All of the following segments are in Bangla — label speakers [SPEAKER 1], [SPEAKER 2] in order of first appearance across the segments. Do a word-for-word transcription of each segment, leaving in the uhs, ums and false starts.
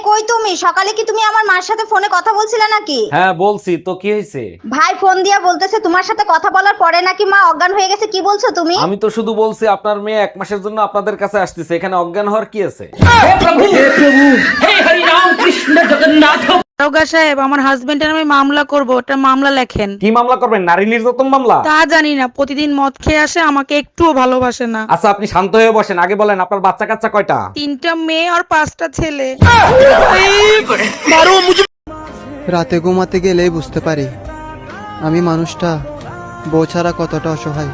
[SPEAKER 1] কই তুমি? সকালে কি তুমি আমার মার সাথে ফোনে কথা বলছিলে নাকি?
[SPEAKER 2] হ্যাঁ বলছি তো, কি হয়েছে?
[SPEAKER 1] ভাই ফোন দিয়া বলতেছে তোমার সাথে কথা বলার পরে নাকি মা অজ্ঞান হয়ে গেছে। কি বলছো তুমি?
[SPEAKER 2] আমি তো শুধু বলছি আপনার মেয়ে এক মাসের জন্য আপনাদের কাছে আসতেছে, এখানে অজ্ঞান হওয়ার কি আছে?
[SPEAKER 3] দারোগা সাহেব, আমার হাজবেন্ডের নামে মামলা করব, ওটা মামলা লেখেন।
[SPEAKER 2] কি মামলা করবেন? নারী নির্যাতন মামলা?
[SPEAKER 3] তা জানি না, প্রতিদিন মদ খেয়ে আসে, আমাকে একটুও ভালোবাসে না।
[SPEAKER 2] আচ্ছা আপনি শান্ত হয়ে বসেন, আগে বলেন আপনার বাচ্চা কাচ্চা কয়টা?
[SPEAKER 3] তিনটা মেয়ে আর পাঁচটা ছেলে।
[SPEAKER 4] রাতে ঘুমাতে গেলেই বুঝতে পারি আমি মানুষটা বউ ছাড়া কতটা অসহায়।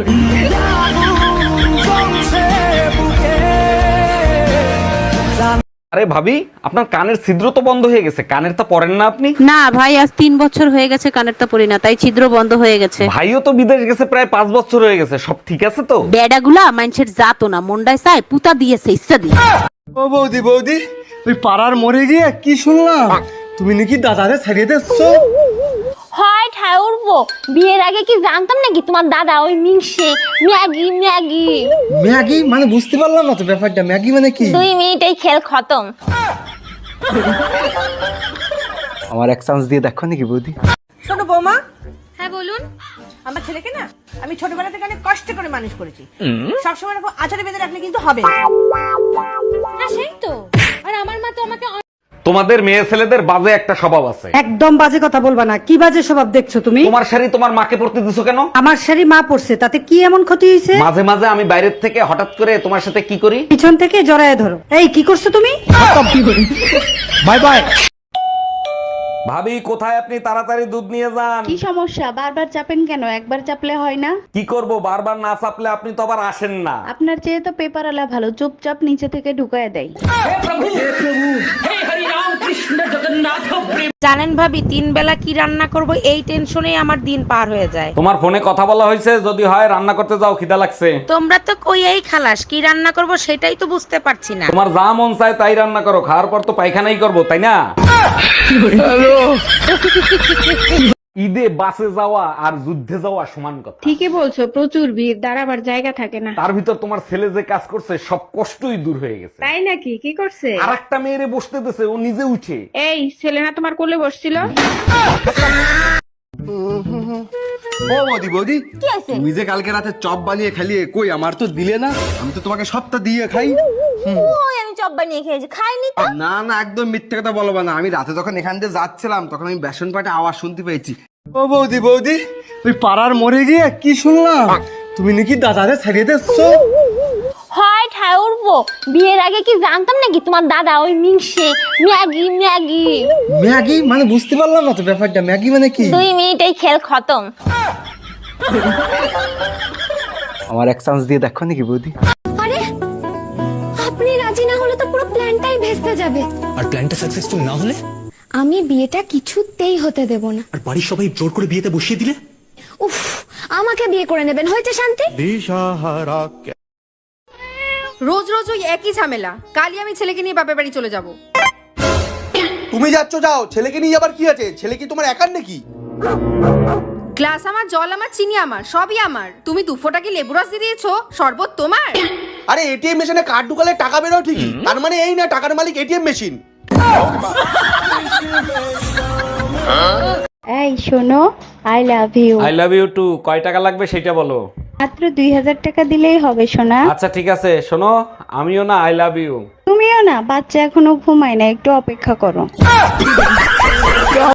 [SPEAKER 2] আরে ভাবি, আপনার কানের ছিদ্র তো বন্ধ হয়ে গেছে, কানের তো পরেন না আপনি?
[SPEAKER 5] না ভাই, আজ তিন বছর হয়ে গেছে কানেরটা পরি না, তাই ছিদ্র বন্ধ হয়ে গেছে।
[SPEAKER 2] ভাইও তো বিদেশ গেছে প্রায় পাঁচ বছর হয়ে গেছে, সব ঠিক আছে তো?
[SPEAKER 5] বেডাগুলা মানুষের জাতো না, মন্ডায় চায় পুতা দিয়েছে ইচ্ছা দিয়ে।
[SPEAKER 6] ও বৌদি বৌদি, ওই পাড়ার মরে গিয়ে কি শুনলাম তুমি নাকি দাদারে ছাড়িয়ে দিচ্ছো?
[SPEAKER 7] হয় ঠায় উঠবো, বিয়ের আগে কি জানতাম নাকি তোমার দাদা ওই মিংসে ম্যাগি ম্যাগি
[SPEAKER 6] ম্যাগি মানে বুঝতে পারলাম না তো ব্যাপারটা, ম্যাগি মানে কি?
[SPEAKER 7] দুই মিনিটেই খেল খতম।
[SPEAKER 6] আমার এক চান্স দিয়ে দেখো নাকি বৌদি?
[SPEAKER 8] শোনো বৌমা,
[SPEAKER 7] হ্যাঁ বলুন।
[SPEAKER 8] আমার ছেলেকে না আমি ছোটবেলা থেকে অনেক কষ্ট করে মানুষ করেছি। সবসময় এরকম আচারে বেঁধে রাখলে কিন্তু হবে না।
[SPEAKER 7] হ্যাঁ সেই তো, আর আমার মা তো আমাকে
[SPEAKER 2] তোমাদের মেয়ে ছেলেদের বাজে একটা স্বভাব আছে।
[SPEAKER 9] একদম বাজে কথা বলবা না। কি বাজে স্বভাব দেখছো তুমি?
[SPEAKER 2] তোমার শাড়ি তোমার মাকে পরতে দিছো কেন?
[SPEAKER 9] আমার শাড়ি মা পড়ছে, তাতে কি এমন ক্ষতি হয়েছে?
[SPEAKER 2] মাঝে মাঝে আমি বাইরের থেকে হঠাৎ করে তোমার সাথে কি করি,
[SPEAKER 9] পিছন থেকে জড়ায় ধরো। এই কি করছো তুমি?
[SPEAKER 6] Bye bye.
[SPEAKER 2] ভাবি কোথায় আপনি? তাড়াতাড়ি দুধ নিয়ে যান।
[SPEAKER 5] কি সমস্যা? বারবার চাপেন কেন? একবার চাপলে হয় না?
[SPEAKER 2] কি করব, বারবার না চাপলে আপনি তো আবার আসেন না।
[SPEAKER 5] আপনার চেয়ে তো পেপার আলা ভালো, চুপচাপ নিচে থেকে ঢুকায় দেয়।
[SPEAKER 3] জানেন ভাবি, তিন বেলা কি রান্না করব এই টেনশনেই আমার দিন পার হয়ে যায়।
[SPEAKER 2] তোমার ফোনে কথা বলা হয়েছে, যদি হয় রান্না করতে যাও, খিদা লাগছে।
[SPEAKER 3] তোমরা তো কই এই খালাস, কি রান্না করব সেটাই তো বুঝতে পারছি না।
[SPEAKER 2] তোমার যা মন চায় তাই রান্না করো, খাওয়ার পর তো পায়খানাই করবো, তাই না? ঈদে বাসে যাওয়া আর যুদ্ধে যাওয়া সমান কথা।
[SPEAKER 5] ঠিকই বলছো, প্রচুর ভিড়, দাঁড়াবার জায়গা থাকে না।
[SPEAKER 2] তার ভিতর তোমার ছেলে যে কাজ করছে সব কষ্টই দূর হয়ে গেছে।
[SPEAKER 5] তাই নাকি? কি করছে?
[SPEAKER 2] আর একটা মেয়েরে বসতে দিছে, ও নিজে উঠে।
[SPEAKER 5] এই ছেলে না তোমার কোলে বসছিল?
[SPEAKER 6] ও বৌদি বৌদি,
[SPEAKER 7] কি আছে?
[SPEAKER 6] তুমি যে কালকে রাতে চপ বানিয়ে খালিয়ে কই আমার তো দিলে না? আমি তো তোমাকে সবটা দিয়ে খাই।
[SPEAKER 7] ওই আমি চপ বানিয়ে খেয়েছি, খাইনি তো।
[SPEAKER 6] না না, একদম মিথ্যে কথা বলবো না। আমি রাতে যখন এখান দিয়ে যাচ্ছিলাম তখন আমি বেসন পাটে আওয়াজ শুনতে পেয়েছি। ও বৌদি বৌদি, ওই পাড়ার মরে গিয়ে কি শুনলাম তুমি নাকি দাদারে ছাড়িয়ে দিচ্ছো?
[SPEAKER 7] হয় ঠায় উঠবো, বিয়ের আগে কি জানতাম নাকি তোমার দাদা ওই মিংসে ম্যাগি ম্যাগি
[SPEAKER 6] ম্যাগি মানে বুঝতে পারলাম না তো ব্যাপারটা, ম্যাগি মানে কি?
[SPEAKER 7] দুই মিনিটেই খেল খতম।
[SPEAKER 6] আমার এক চান্স দিয়ে দেখো নাকি বৌদি?
[SPEAKER 7] আরে আপনি রাজি না হলে তো পুরো প্ল্যানটাই ভেস্তে যাবে।
[SPEAKER 10] আর প্ল্যানটা সাকসেসফুল না হলে?
[SPEAKER 7] আমি বিয়েটা কিছুতেই হতে দেব না।
[SPEAKER 10] আর বাড়ির সবাই জোর করে বিয়েতে বসিয়ে দিলে?
[SPEAKER 7] উফ, আমাকে বিয়ে করে নেবেন, হয়েছে শান্তি।
[SPEAKER 8] রোজ রোজ ওই একই ঝামেলা। কালই আমি ছেলেকে নিয়ে বাপের বাড়ি চলে যাব।
[SPEAKER 6] তুমি যাচ্ছ যাও, ছেলেকে নিয়ে যাবার কি আছে? ছেলে কি তোমার একার নাকি?
[SPEAKER 8] গ্লাস আমার, জল আমার, চিনি আমার, সবই আমার। তুমি দু ফোঁটা কি লেবু রস দিয়ে দিয়েছো? শরবত তোমার?
[SPEAKER 6] আরে এটিএম মেশিনে কার্ড ঢুকালে টাকা বেরো ঠিকই, তার মানে এই না টাকার মালিক এটিএম মেশিন।
[SPEAKER 5] এই শোনো, I love you.
[SPEAKER 2] I love you too. কয় টাকা লাগবে সেটা বলো।
[SPEAKER 5] মাত্র দুই হাজার টাকা দিলেই হবে সোনা।
[SPEAKER 2] আচ্ছা ঠিক আছে, শোনো আমিও না আই লাভ ইউ।
[SPEAKER 5] তুমিও না, বাচ্চা এখনো ঘুমায় না, একটু অপেক্ষা করো।